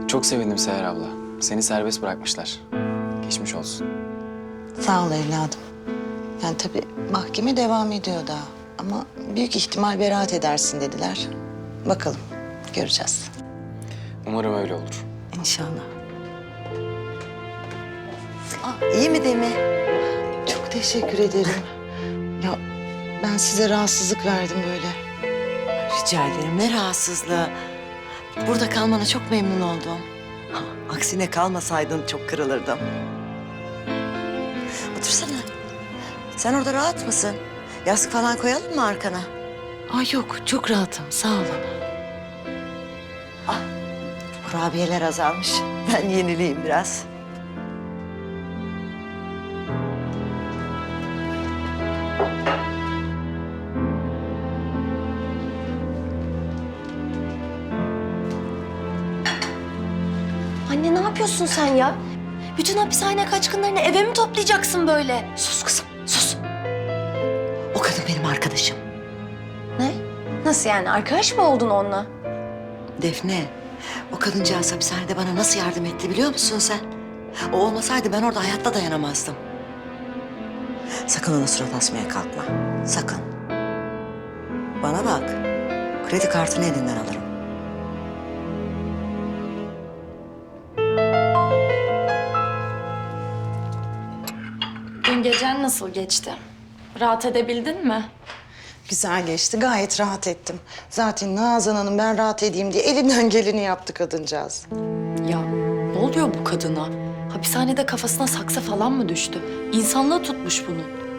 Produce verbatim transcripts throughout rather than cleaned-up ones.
Çok sevindim Seher abla. Seni serbest bırakmışlar. Geçmiş olsun. Sağ ol evladım. Yani tabii mahkeme devam ediyor daha. Ama büyük ihtimal beraat edersin dediler. Bakalım, göreceğiz. Umarım öyle olur. İnşallah. Aa, iyi mi Demi? Çok teşekkür ederim. Ya ben size rahatsızlık verdim böyle. Rica ederim. Ne rahatsızlığı. Burada kalmana çok memnun oldum. Ha, aksine kalmasaydın çok kırılırdım. Otursana. Sen orada rahat mısın? Yastık falan koyalım mı arkana? Ay yok, çok rahatım. Sağ olun. Kurabiyeler azalmış. Ben yenileyim biraz. Anne ne yapıyorsun sen ya? Bütün hapishane kaçkınlarını eve mi toplayacaksın böyle? Sus kızım, sus. O kadın benim arkadaşım. Ne? Nasıl yani? Arkadaş mı oldun onunla? Defne, o kadıncağız hapishanede bana nasıl yardım etti biliyor musun sen? O olmasaydı ben orada hayatta dayanamazdım. Sakın ona surat asmaya kalkma. Sakın. Bana bak. Kredi kartını elinden alırım. Dün gecen nasıl geçti? Rahat edebildin mi? Güzel geçti, gayet rahat ettim. Zaten Nazan Hanım ben rahat edeyim diye elinden geleni yaptı kadıncağız. Ya ne oluyor bu kadına? Hapishanede kafasına saksı falan mı düştü? İnsanlığı tutmuş bunu.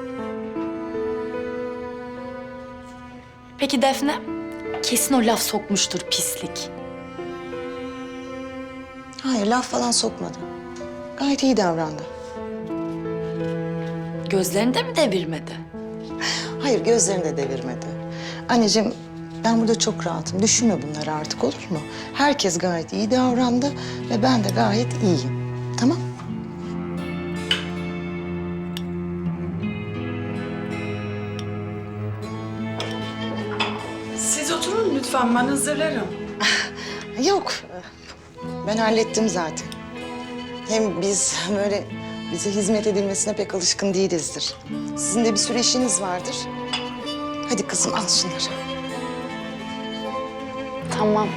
Peki Defne? Kesin o laf sokmuştur pislik. Hayır, laf falan sokmadı. Gayet iyi davrandı. Gözlerini de mi devirmedi? Hayır, gözlerini de devirmedi. Anneciğim, ben burada çok rahatım. Düşünme bunları artık, olur mu? Herkes gayet iyi davrandı ve ben de gayet iyiyim. Tamam? Siz oturun lütfen, ben hazırlarım. Yok, ben hallettim zaten. Hem biz böyle bize hizmet edilmesine pek alışkın değilizdir. Sizin de bir sürü işiniz vardır. Hadi kızım, al şunları. Tamam.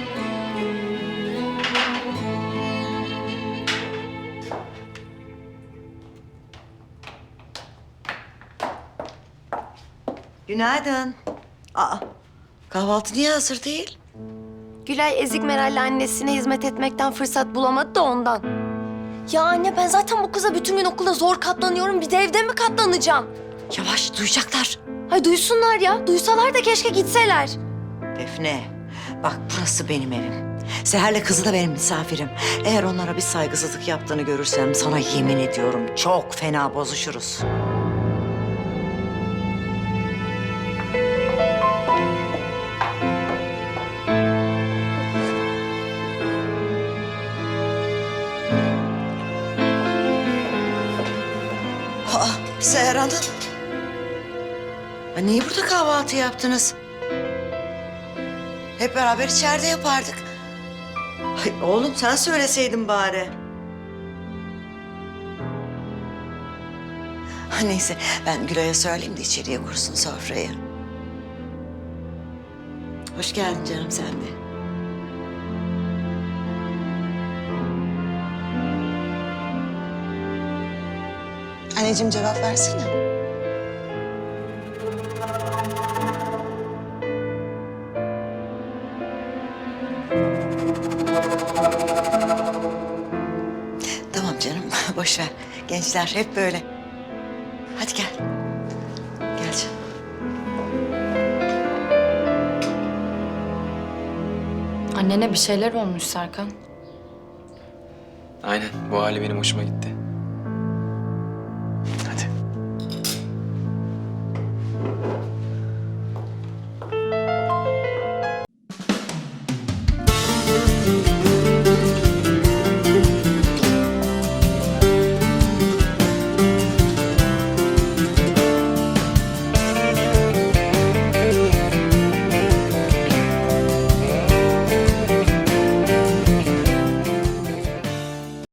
Günaydın. Aa, kahvaltı niye hazır değil? Gülay ezik Meral'le annesine hizmet etmekten fırsat bulamadı da ondan. Ya anne ben zaten bu kıza bütün gün okulda zor katlanıyorum. Bir de evde mi katlanacağım? Yavaş, duyacaklar. Ay duysunlar ya. Duysalar da keşke gitseler. Defne, bak burası benim evim. Seher'le kızı da benim misafirim. Eğer onlara bir saygısızlık yaptığını görürsem sana yemin ediyorum çok fena bozuşuruz. Aa, Seher Hanım. Ha, niye burada kahvaltı yaptınız? Hep beraber içeride yapardık. Ay, oğlum sen söyleseydin bari. Ha, neyse ben Gülay'a söyleyeyim de içeriye kursun sofrayı. Hoş geldin canım sen de. Anneciğim, cevap versene. Tamam canım boş ver. Gençler hep böyle. Hadi gel. Gel canım. Annene bir şeyler olmuş Serkan. Aynen, bu hali benim hoşuma gitti.